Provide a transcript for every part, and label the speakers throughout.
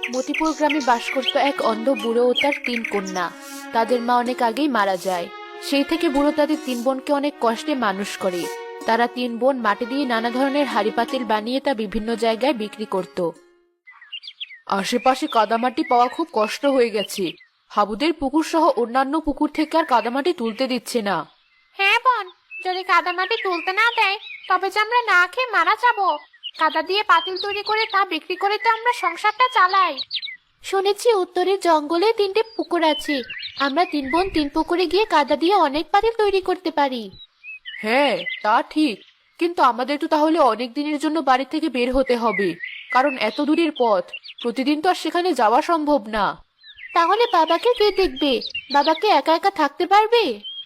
Speaker 1: মতিপুর গ্রামে বাস করত এক অন্ধ বুড়ো ও তার 3 কন্যা। তাদের মা অনেক আগেই মারা যায়। সেই থেকে বুড়ো তাদের 3 বোনকে অনেক কষ্টে মানুষ করে। তারা 3 বোন মাটি দিয়ে নানা ধরনের হাঁড়ি পাতিল বানিয়ে তা বিভিন্ন জায়গায় বিক্রি করত। আশেপাশে কাদামাটি পাওয়া খুব কষ্ট হয়ে গেছে। হাবুদের পুকুর সহ অন্যান্য পুকুর থেকে আর কাদামাটি তুলতে দিচ্ছে না।
Speaker 2: হ্যাঁ বোন, যদি কাদামাটি তুলতে না দেয় তবে যে আমরা না খেয়ে মারা যাব। কাদা দিয়ে পাতিল তৈরি করে তা বিক্রি করে তো আমরা সংসারটা চালাই।
Speaker 1: শুনেছি উত্তরের জঙ্গলে 3টে পুকুর আছে। আমরা 3 বোন 3 পুকুরে গিয়ে কাদা দিয়ে অনেক পাতিল তৈরি করতে পারি। হ্যাঁ, তা ঠিক। কিন্তু আমাদের তো তাহলে অনেক দিনের জন্য বাড়ি থেকে বের হতে হবে, কারণ এত দূরের পথ। প্রতিদিন তো আর সেখানে যাওয়া সম্ভব না। তাহলে বাবাকে কে দেখবে? বাবাকে একা একা থাকতে পারবে?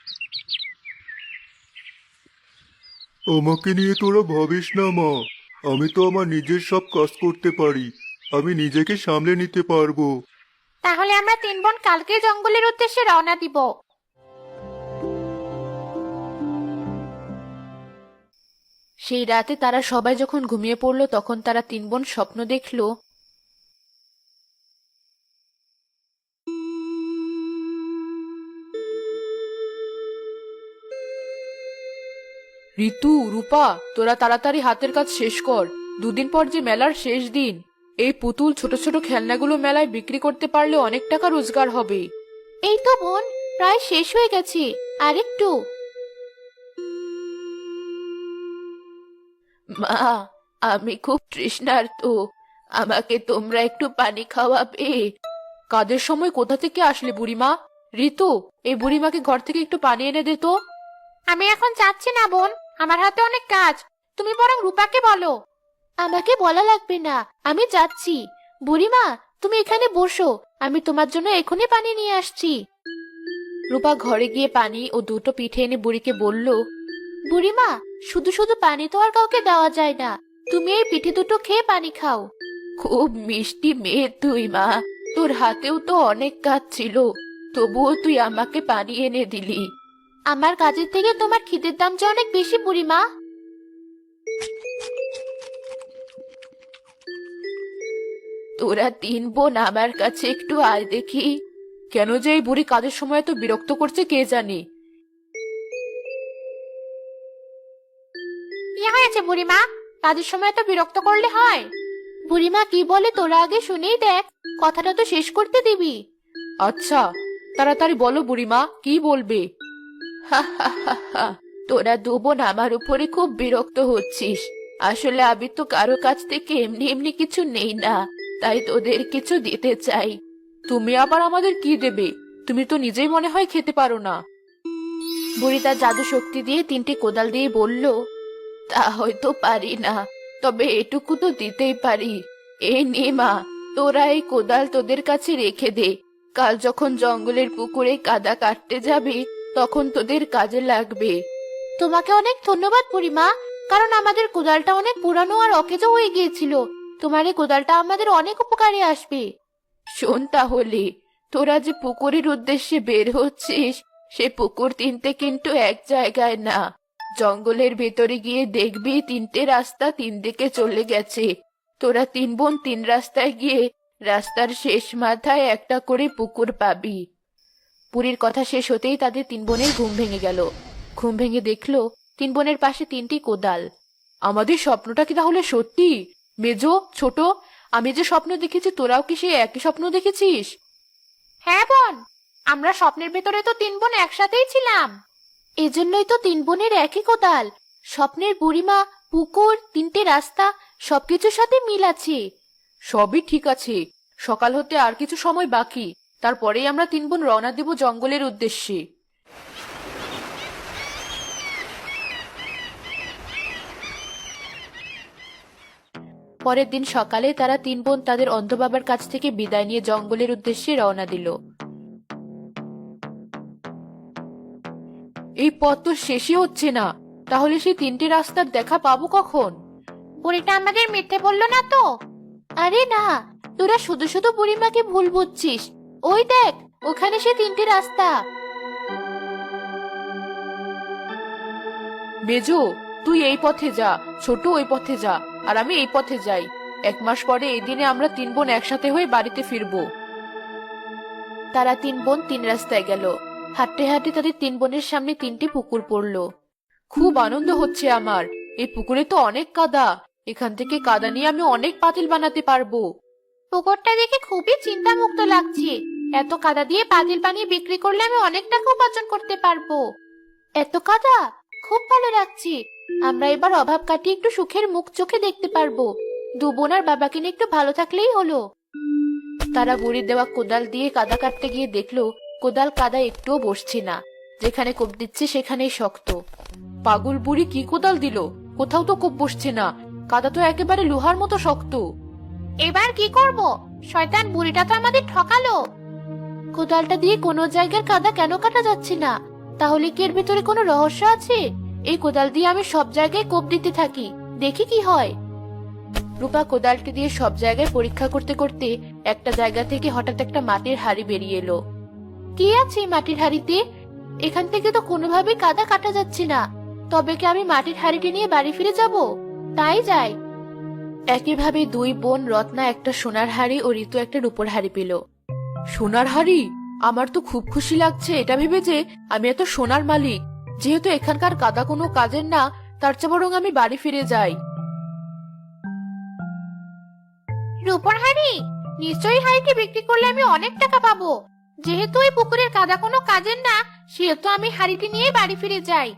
Speaker 3: আমাকে নিয়ে তোরা ভাবিস না মা। আমি তো আমার নিজের সব কাজ করতে পারি। আমি নিজেকে সামলে নিতে পারবো।
Speaker 2: তাহলে আমরা 3 বোন কালকে জঙ্গলের উদ্দেশ্যে রওনা দিব।
Speaker 1: সেই রাতে তারা সবাই যখন ঘুমিয়ে পড়লো তখন তারা 3 বোন স্বপ্ন দেখলো। ঋতু, রূপা, তোরা তাড়াতাড়ি হাতের কাজ শেষ কর। দুদিন পর যে মেলার শেষ দিন। এই পুতুল ছোট ছোট খেলনাগুলো মেলায় বিক্রি করতে পারলে অনেক টাকা রোজগার হবে। এই তো বোন, প্রায় শেষ হয়ে গেছে। আরেকটু। মা, আমি খুব তৃষ্ণার্ত। আমাকে তোমরা একটু পানি খাওয়াবে? কাদের সময় কোথা থেকে আসলে বুড়িমা? ঋতু, এই বুড়িমাকে ঘর থেকে একটু পানি এনে দে তো।
Speaker 2: আমি এখন যাচ্ছি না বোন, আমার হাতে অনেক কাজ। তুমি বরং রূপাকে বলো।
Speaker 1: আমাকে বলা লাগবে না, আমি যাচ্ছি। বুড়িমা, তুমি এখানে বসো, আমি তোমার জন্য এখনই পানি নিয়ে আসছি। রূপা ঘরে গিয়ে পানি ও 2টো পিঠে এনে বুড়িকে বলল, বুড়িমা, শুধু শুধু পানি তো আর কাউকে দেওয়া যায় না। তুমি এই পিঠে 2টো খেয়ে পানি খাও। খুব মিষ্টি মেয়ে তুই মা। তোর হাতেও তো অনেক কাজ ছিল, তবুও তুই আমাকে পানি এনে দিলি। আমার কাজের থেকে তোমার খিদের দাম যে অনেক বেশি বুড়িমা। তোরা 3 বোন আমার কাছে একটু আয় দেখি। কেন যে এই বুড়ি কাজের সময় তো বিরক্ত করছে কে জানি।
Speaker 2: কি হয়েছে বুড়িমা? কাজের সময় তো বিরক্ত করলে হয়?
Speaker 1: বুড়িমা কি বলে তোরা আগে শুনেই দেখ, কথাটা তো শেষ করতে দিবি। আচ্ছা, তাড়াতাড়ি বলো বুড়িমা, কি বলবে? হা হা হা হা, তোরা 2 বোন আমার উপরে খুব বিরক্ত হচ্ছিস। আসলে আমি তো কারো কাছ থেকে এমনি এমনি কিছু নেই না, তাই তোদের কিছু দিতে চাই। তুমি আবার আমাদের কি দেবে? তুমি তো নিজেই মনে হয় খেতে পারো না। বুড়ি তার জাদু শক্তি দিয়ে 3টে কোদাল দিয়ে বলল, তা হয়তো পারি না, তবে এটুকু তো দিতেই পারি। এই নে মা, তোরা এই কোদাল তোদের কাছে রেখে দে। কাল যখন জঙ্গলের পুকুরে কাদা কাটতে যাবি তখন তোদের কাজে লাগবে। তোমাকে অনেক ধন্যবাদ বুড়িমা, কারণ আমাদের কোদালটা অনেক পুরানো আর অকেজো হয়ে গিয়েছিল। তোমার এই কোদালটা আমাদের অনেক উপকারে আসবে। শোন তাহলে, তোরা যে পুকুরের উদ্দেশ্যে বের হচ্ছিস, সে পুকুর 3টে কিন্তু এক জায়গায় না। জঙ্গলের ভেতরে গিয়ে দেখবি 3টে রাস্তা 3 দিকে চলে গেছে। তোরা 3 বোন 3 রাস্তায় গিয়ে রাস্তার শেষ মাথায় একটা করে পুকুর পাবি। পুরীর কথা শেষ হতেই তাদের 3 বোনের ঘুম ভেঙে গেল। ঘুম ভেঙে দেখলো 3 বোনের পাশে 3টি কোদাল। আমাদের স্বপ্নটা কি তাহলে সত্যি? মেজো, ছোট, আমি যে স্বপ্ন দেখেছি তোরাও কি সেই একই স্বপ্ন দেখেছিস?
Speaker 2: হ্যাঁ বোন, আমরা স্বপ্নের ভেতরে তো 3 বোন একসাথেই ছিলাম।
Speaker 1: এজন্যই তো 3 বোনের একই কোদাল। স্বপ্নের বুড়িমা, পুকুর, 3টে রাস্তা, সবকিছুর সাথে মিল আছে। সবই ঠিক আছে। সকাল হতে আর কিছু সময় বাকি, তারপরেই আমরা 3 বোন রওনা দেব জঙ্গলের উদ্দেশ্যে। পরের দিন সকালে তারা 3 বোন তাদের অন্ধ বাবার কাছ থেকে বিদায় নিয়ে জঙ্গলের উদ্দেশ্যে রওনা দিল। এই পথ তো শেষই হচ্ছে না, তাহলে সেই 3টে রাস্তার দেখা পাবো কখন?
Speaker 2: বুড়িটা আমাদের মিথ্যে বললো না তো?
Speaker 1: আরে না, তোরা শুধু শুধু বুড়িমাকে ভুল বুঝছিস। ওই দেখ, ওখানে সে 3টে রাস্তা। মেজো, তুই এই পথে যা, ছোট ওই পথে যা, আর আমি এই পথে যাই। 1 মাস পরে এই দিনে আমরা 3 বোন একসাথে হয়ে বাড়িতে ফিরবো। তারা 3 বোন 3 রাস্তায় গেল। হাঁটতে হাঁটতে তাদের 3 বোনের সামনে 3টি পুকুর পড়লো। খুব আনন্দ হচ্ছে আমার। এই পুকুরে তো অনেক কাদা। এখান থেকে কাদা নিয়ে আমি অনেক পাতিল বানাতে পারবো।
Speaker 2: পুকুরটা দেখে খুবই চিন্তামুক্ত লাগছে। এত কাদা দিয়ে পাতিল বানিয়ে বিক্রি করলে আমি অনেক টাকা উপার্জন করতে পারবো।
Speaker 1: এত কাদা, খুব ভালো লাগছে। আমরা এবার অভাব কাটিয়ে একটু সুখের মুখ চোখে দেখতে পারবো। 2 বোন আর বাবাকে নিয়ে একটু ভালো থাকলেই হলো। তারা বুড়ির দেওয়া কোদাল দিয়ে কাদা কাটতে গিয়ে দেখলো কোদাল কাদা একটুও বসছে না। যেখানে কোপ দিচ্ছে সেখানেই শক্ত। পাগল বুড়ি কি কোদাল দিল? কোথাও তো কোপ বসছে না। কাদা তো একেবারে লোহার মতো শক্ত।
Speaker 2: এবার কি করব? শয়তান বুড়িটা তো আমাদের ঠকালো।
Speaker 1: কোদালটা দিয়ে কোনো জায়গার কাদা কেন কাটা যাচ্ছে না? তাহলে কি এর ভিতরে কোনো রহস্য আছে? এই কোদাল দিয়ে আমি সব জায়গায় কোপ দিতে থাকি, দেখি কি হয়। রূপা কোদালটি দিয়ে সব জায়গায় পরীক্ষা করতে করতে একটা জায়গা থেকে হঠাৎ একটা মাটির হাড়ি বেরিয়ে এলো। কি আছে এই মাটির হাড়িতে? এখান থেকে তো কোনোভাবেই কাদা কাটা যাচ্ছে না। তবে কি আমি মাটির হাড়িটি নিয়ে বাড়ি ফিরে যাব? তাই যাই। একইভাবে 2 বোন রত্না একটা সোনার হাড়ি ও ঋতু একটা রূপোর হাড়ি পেল। সোনার হাড়ি? আমার তো খুব খুশি লাগছে এটা ভেবে যে আমি এত সোনার মালিক। যেহেতু এখানকার কাদা কোনো কাজের না, তার চেয়ে বরং আমি বাড়ি ফিরে যাই।
Speaker 2: রূপোর হাঁড়ি? নিশ্চয়ই হাঁড়িটি বিক্রি করলে আমি অনেক টাকা পাবো। যেহেতু এই পুকুরের কাদা কোনো কাজের না, সেহেতু আমি হাঁড়িটি নিয়ে বাড়ি ফিরে যাই।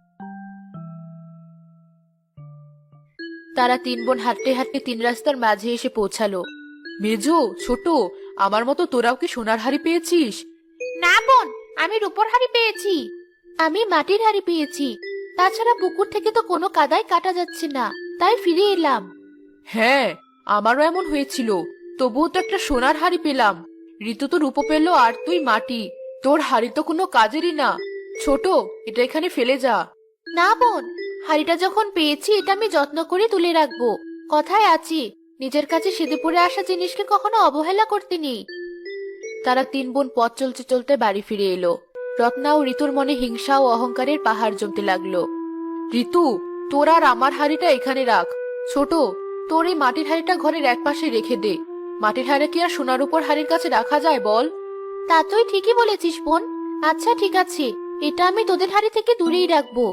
Speaker 1: তারা 3 বোন হাঁটতে হাঁটতে 3 রাস্তার মাঝে এসে পৌঁছালো। মেজো, ছোট, আমার মতো তোরাও কি সোনার হাড়ি পেয়েছিস?
Speaker 2: না বোন, আমি রূপোর হাঁড়ি পেয়েছি।
Speaker 1: আমি মাটির হাড়ি পেয়েছি। তাছাড়া পুকুর থেকে তো কোনো কাদাই কাটা যাচ্ছে না, তাই ফিরে এলাম। হ্যাঁ, আমারও এমন হয়েছিল। তবুও তো একটা সোনার হাড়ি পেলাম। ঋতু তো রূপো পেল আর তুই মাটি। তোর হাড়ি তো কোনো কাজেরই না। ছোট, এটা এখানে ফেলে যা। না বোন, হাড়িটা যখন পেয়েছি এটা আমি যত্ন করে তুলে রাখবো। কথায় আছি, নিজের কাছে সেদে পড়ে আসা জিনিসকে কখনো অবহেলা করতে নেই। তারা 3 বোন পথ চলতে চলতে বাড়ি ফিরে এলো। রত্না ও ঋতুর মনে হিংসা ও অহংকারের পাহাড় জমতে লাগলো। ঋতু, তোর আর আমার হাড়িটা এখানে রাখ। ছোট, তোর এই মাটির হাড়িটা ঘরের একপাশে রেখে দে। মাটির হাড়ি কি আর সোনার উপর হাড়ির কাছে রাখা যায় বল? তা তুই ঠিকই বলেছিস বোন। আচ্ছা ঠিক আছে, এটা আমি তোদের হাড়ি থেকে দূরেই রাখবো।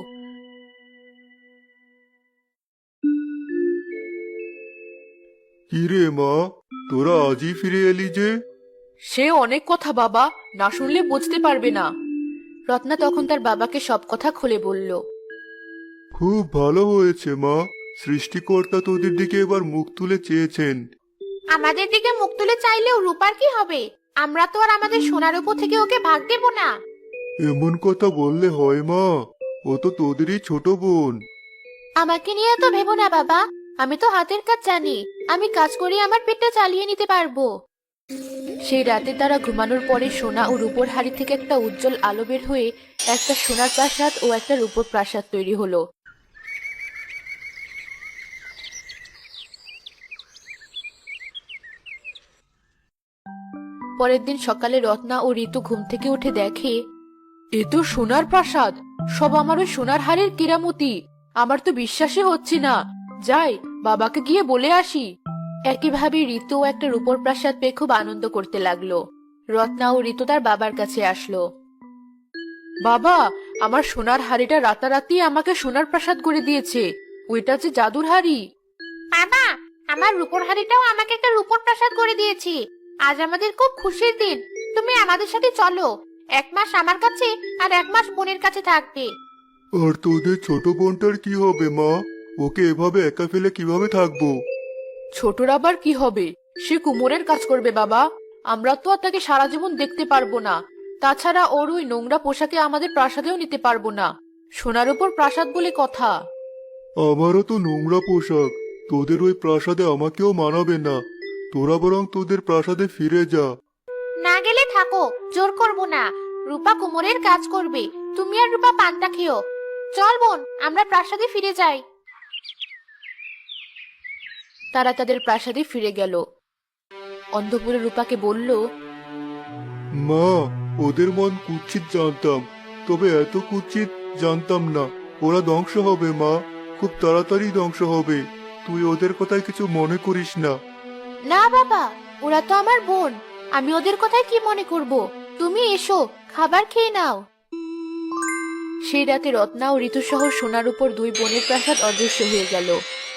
Speaker 3: কি রে মা, তোরা আজই ফিরে এলি যে?
Speaker 1: সে অনেক কথা বাবা, না শুনলে বুঝতে পারবে না। রত্না তখন তার বাবাকে সব কথা খুলে বলল।
Speaker 3: খুব ভালো হয়েছে মা। সৃষ্টিকর্তা তোদের দিকে এবার মুখ তুলে চেয়েছেন।
Speaker 2: আমাদের দিকে মুখ তুলে চাইলেও রূপার কি হবে? আমরা তো আর আমাদের সোনার উপর থেকে ওকে ভাগ দেব না।
Speaker 3: এমন কথা বললে হয় মা? ও তো তোদেরই ছোট বোন।
Speaker 1: আমাকে নিয়ে তো ভেবো না বাবা, আমি তো হাতের কাজ জানি। আমি কাজ করে আমার পেটটা চালিয়ে নিতে পারবো। সেই রাতে তারা ঘুমানোর পরে সোনা ও রূপোর হাড়ি থেকে একটা উজ্জ্বল আলো বের হয়ে একটা সোনার প্রাসাদ ও একটা রূপোর প্রাসাদ তৈরি হলো। পরের দিন সকালে রত্না ও ঋতু ঘুম থেকে উঠে দেখে, এ তো সোনার প্রাসাদ। সব আমার ওই সোনার হাড়ের কেরামতি। আমার তো বিশ্বাসই হচ্ছে না। যাই, বাবাকে গিয়ে বলে আসি। একইভাবে ঋতু একটা রূপোর প্রাসাদ পেয়ে খুব আনন্দ করতে লাগলো। রত্না ও ঋতু তার বাবার কাছে আসলো। বাবা, আমার সোনার হাড়িটা রাতারাতি আমাকে সোনার প্রাসাদ করে দিয়েছে। ওইটা যে জাদুর হাড়ি।
Speaker 2: বাবা, আমার রূপোর হাঁড়িটাও আমাকে একটা রূপোর প্রাসাদ করে দিয়েছি। আজ আমাদের খুব খুশির দিন। তুমি আমাদের সাথে চলো। 1 মাস আমার কাছে আর 1 মাস বোনের কাছে থাকবে।
Speaker 3: আর তোদের ছোট বোনটার কি হবে মা? ওকে এভাবে একা ফেলে কিভাবে থাকবো?
Speaker 1: ছোটর আবার কি হবে? সে কুমোরের কাজ করবে বাবা। আমরা তো আর তাকে সারা জীবন দেখতে পারবো না। তাছাড়া ওর ওই নোংরা পোশাকে আমাদের প্রাসাদেও নিতে পারবো না। সোনার উপর প্রাসাদ বলে কথা।
Speaker 3: আমারও তো নোংরা পোশাক। তোদের ওই প্রাসাদে আমাকেও মানাবে না। তোরা বরং তোদের প্রাসাদে ফিরে যা।
Speaker 2: না গেলে থাকো, জোর করব না। রূপা কুমোরের কাজ করবে, তুমি আর রূপা পান্তা খেও। চল বোন, আমরা প্রাসাদে ফিরে যাই।
Speaker 1: তারা তাদের প্রাসাদে ফিরে গেল। অন্ধপুরে রূপাকে বলল,
Speaker 3: মা, ওদের মন কুৎসিত জানতাম, তবে এত কুৎসিত জানতাম না। ওরা ধ্বংস হবে মা, খুব তাড়াতাড়ি ধ্বংস হবে। তুই ওদের কথায় কিছু মনে করিস না।
Speaker 1: না বাবা, ওরা তো আমার বোন, আমি ওদের কথায় কি মনে করব। তুমি এসো, খাবার খেয়ে নাও। সেই রাতে রত্না ও ঋতুসহ সোনার উপর দুই বোনের প্রাসাদ অদৃশ্য হয়ে গেল।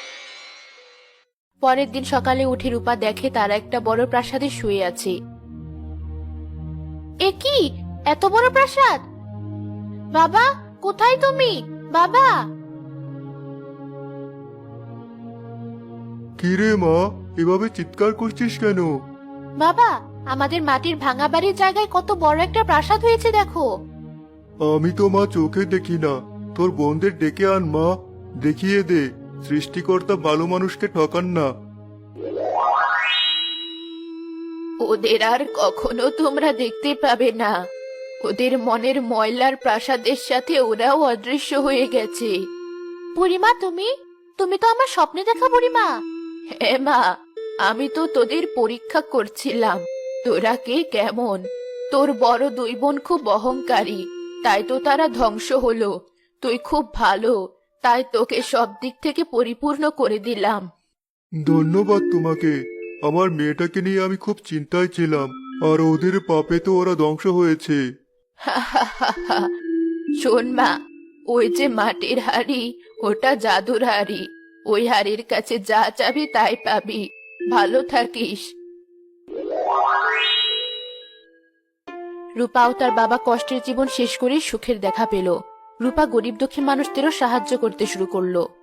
Speaker 1: পরের দিন সকালে উঠে রূপা দেখে তারা একটা বড় প্রাসাদে শুয়ে আছে। এ কি, এত বড় প্রাসাদ! বাবা, কোথায় তুমি? বাবা!
Speaker 3: কিরে মা, এভাবে চিৎকার করছিস কেন?
Speaker 1: বাবা, আমাদের মাটির ভাঙা বাড়ির জায়গায় কত বড় একটা প্রাসাদ হয়েছে দেখো।
Speaker 3: আমি তো মা চোখে দেখি না, তোর বোনদের ডেকে আন মা, দেখিয়ে দে সৃষ্টিকর্তা ভালো মানুষকে ঠকান না।
Speaker 1: ওদের আর কখনো তোমরা দেখতে পাবে না। ওদের মনের ময়লার প্রাসাদের সাথে ওরাও অদৃশ্য হয়ে গেছে। বুড়িমা, তুমি তুমি তো আমার স্বপ্নে দেখা বুড়িমা। হ্যাঁ মা, আমি তো তোদের পরীক্ষা করছিলাম, তোরা কে কেমন। তোর বড় দুই বোন খুব অহংকারী, তাই তো তারা ধ্বংস হলো। তুই খুব ভালো, তাই তোকে সব দিক থেকে পরিপূর্ণ করে দিলাম।
Speaker 3: ধন্যবাদ তোমাকে। আমার মেয়েটাকে নিয়ে আমি খুব চিন্তায় ছিলাম, আর ওদের পাপে তো ওরা ধ্বংস হয়েছে।
Speaker 1: শোন মা, ওই যে মাটির হাড়ি, ওটা জাদুর হাড়ি। ওই হাড়ির কাছে যা চাবি তাই পাবি। ভালো থাকিস। রূপাও তার বাবা কষ্টের জীবন শেষ করে সুখের দেখা পেল। রূপা গরিব দুঃখী মানুষদেরও সাহায্য করতে শুরু করলো।